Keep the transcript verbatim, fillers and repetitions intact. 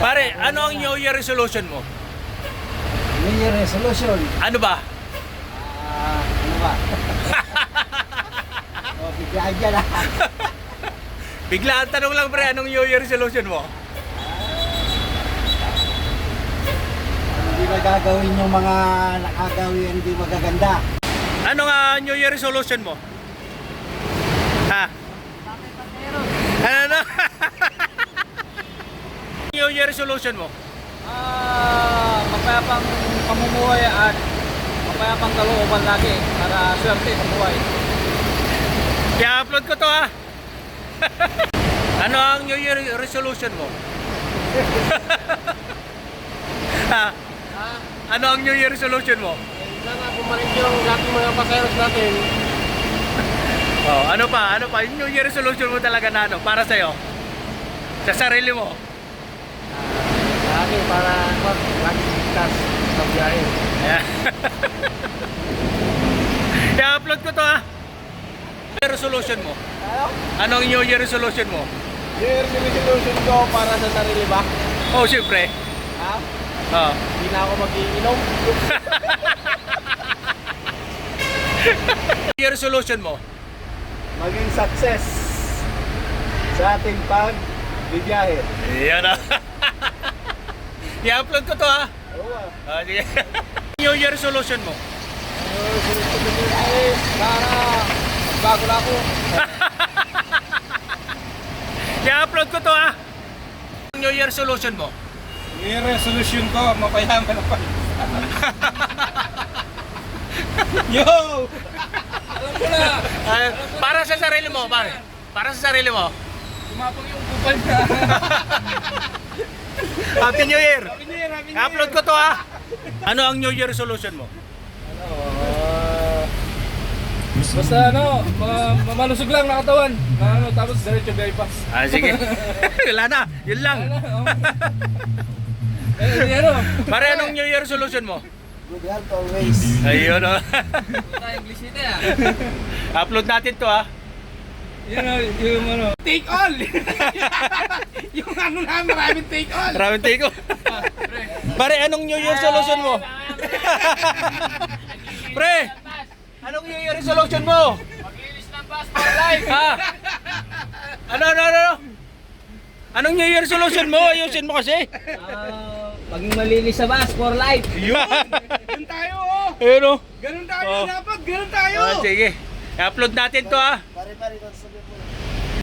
Pare, ano ang New Year resolution mo? New Year resolution. Ano ba? Ah, ano ba? O, biglaan dyan ah. Biglaan tanong lang pre, anong New Year resolution mo? Hindi magagawin yung mga nakagawin, hindi magaganda. Ano nga New Year resolution mo? Ha? Ano na? New Year resolution mo? Ah, mapayapang pamumuhay at mapayapang kalooban lagi para swerte sa buhay. I-upload ko to ha. Ano ang New Year resolution mo? Ha? Ha? Ano ang New Year resolution mo? Sana bumalik yung lahat ng mga pasayaros natin. Oh, ano pa? Ano pa? Yung New Year resolution mo talaga na ano? Para sa'yo? Sa sarili mo? Lagi para lagi ligtas sa biyahe. Ayan. I-upload ko to ha. New Year resolution mo? Ano? Anong New Year resolution mo? New Year resolution ko para sa sarili ba? Oh, siyempre. Ha? Oh. Hindi na ako mag-iinom. New Year resolution mo? Maging success sa ating pag-bibiyahe. Iyan na. I-upload ko to ha. Oo ah. Ah, sige. New Year resolution mo? New Year resolution ay para bago na ako. I-upload ko to ha. New Year resolution mo? New Year resolution ko, mapayaman ako. Yo! Alam ko na! Ah, para sa sarili mo, pare. Para sa sarili mo. Tumapang yung kupal na. Happy New Year. Happy New Year, Happy New Year! I-upload ko to ha. Ano ang New Year resolution mo? Ano, ah, basta ano, ma mamalusog lang na katawan. Na ano, tapos diretso bypass. Ah, sige. Wala na. Yun lang. Eh, di ano? Pare, anong New Year resolution mo? Good health always. Ayun o. Puta, English ito ah. Upload natin to ha. Yun o, yung ano. Take all! Yung ano na, maraming take all. Maraming take ko. Pare, anong New Year resolution mo? Pre, anong New Year resolution mo? Mag-ilis ng bus for life. Ha? Ano, ano, ano? Anong New Year resolution mo? Ayusin mo kasi. Ah, maging malinis sa bus for life. Yun. Ganun tayo oh. Ayun o. Ganun tayo Oh. dapat, ganun tayo. Ah, sige. I-upload natin to ha. Pare-pare, sabi mo